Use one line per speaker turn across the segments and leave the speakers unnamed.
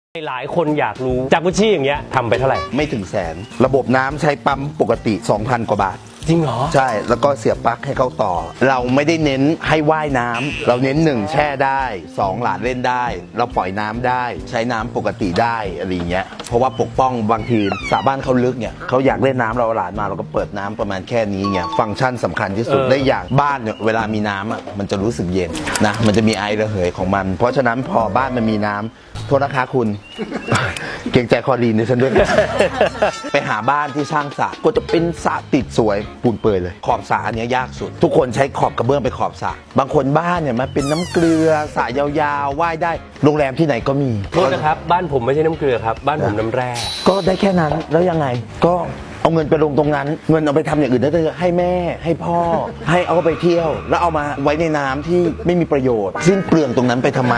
หลายคนอยากรู้จากกุชชี่อย่างเงี้ยทำไปเท่าไหร่
ไม่ถึงแสนระบบน้ำใช้ปั๊มปกติ 2,000 กว่าบาท
จริงเหรอ
ใช่แล้วก็เสียบปลั๊กให้เข้าต่อเราไม่ได้เน้นให้ว่ายน้ำเราเน้น1แช่ได้2หลานเล่นได้เราปล่อยน้ำได้ใช้น้ำปกติได้อะไรเงี้ยเพราะว่าปกป้องบางทีสระบ้านเขาลึกเนี่ยเขาอยากเล่นน้ำเราหลานมาเราก็เปิดน้ำประมาณแค่นี้เงี้ยฟังก์ชันสำคัญที่สุดได้อย่างบ้านเนี่ยเวลามีน้ำอ่ะมันจะรู้สึกเย็นนะมันจะมีไอระเหยของมันเพราะฉะนั้นพอบ้านมันมีน้ำโทษนะคะคุณ เกรงใจคอรีนในฉันด้วย ไปหาบ้านที่สร้างสระก็จะเป็นสระติดสวยปูนเปื่อยเลยขอบสระอันนี้ยากสุดทุกคนใช้ขอบกระเบื้องไปขอบสระบางคนบ้านเนี่ยมันเป็นน้ำเกลือสระยาวๆว่ายได้โรงแรมที่ไหนก็มี
โทษนะครับบ้านผมไม่ใช่น้ำเกลือครับบ้านผมน้ำแร่
ก็ได้แค่นั้นแล้วยังไงก็เอาเงินไปลงตรงนั้นเงินเอาไปทำอย่างอื่นได้เลยให้แม่ให้พ่อให้เอาไปเที่ยวแล้วเอามาไว้ในน้ำที่ไม่มีประโยชน์สิ้นเปลืองตรงนั้นไปทำไม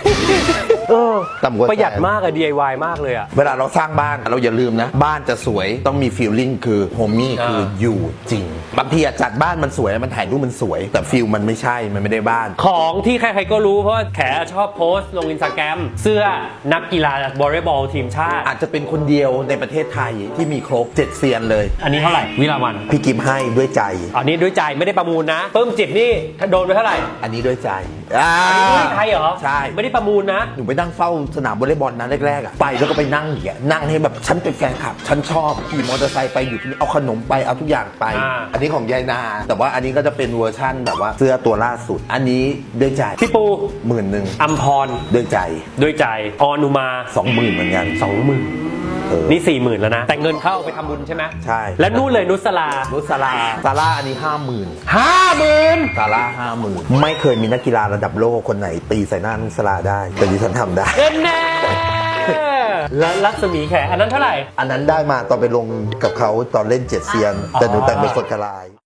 ประหยัดมากอะ DIY มากเลยอะ
เวลาเราสร้างบ้านเราอย่าลืมนะบ้านจะสวยต้องมีฟีลลิ่งคือโฮมมี่คืออยู่จริงบางทีจัดบ้านมันสวยมันถ่ายรูปมันสวยแต่ฟีลมันไม่ใช่มันไม่ได้บ้าน
ของที่ใครๆก็รู้เพราะว่าแขชอบโพสต์ลง Instagram เสื้อนักกีฬาวอลเลย์บอลทีมชาติ
อาจจะเป็นคนเดียวในประเทศไทยที่มีครบ7เซียนเลย
อันนี้เท่าไหร่วิลาวัน
พี่กิมให้ด้วยใจ
อันนี้ด้วยใจไม่ได้ประมูลนะเพิ่มจิตนี่โดนไปเท่าไหร่
อันนี้ด้วยใจ
ไทยเหรอ
ใช่
ไม่ได้ประมูลนะ
หนูไปนั่งเฝ้าสนามวอลเลย์บอลนะแรกๆอ่ะไปแล้วก็ไปนั่งอย่างเงี้ยนั่งให้แบบฉันเป็นแฟนคลับฉันชอบขี่มอเตอร์ไซค์ไปอยู่ที่เอาขนมไปเอาทุกอย่างไปอันนี้ของยายนาแต่ว่าอันนี้ก็จะเป็นเวอร์ชั่นแบบว่าเสื้อตัวล่าสุดอันนี้ด้วยใจ
พี่ปู
10,000
อัมพร
ด้วยใจ
ออนุมา
20,000เหมือนกัน
20,000นี่40,000แล้วนะแต่เงินเข้าไปทำบุญใช่ไหม
ใช่
แล้วนู่นเลยนุสลา
ซาร่าอันนี้50,000ซาร่า50,000ไม่เคยมีนักกีฬาระดับโลกคนไหนตีใส่หน้านุสลาได้แต่ดิฉันทำได้
แน่แล้วรัศมีแขอันนั้นเท่าไหร่
อันนั้นได้มาตอนไปลงกับเขาตอนเล่น7เซียนแต่หนูแต่งเป็นสดกระลาย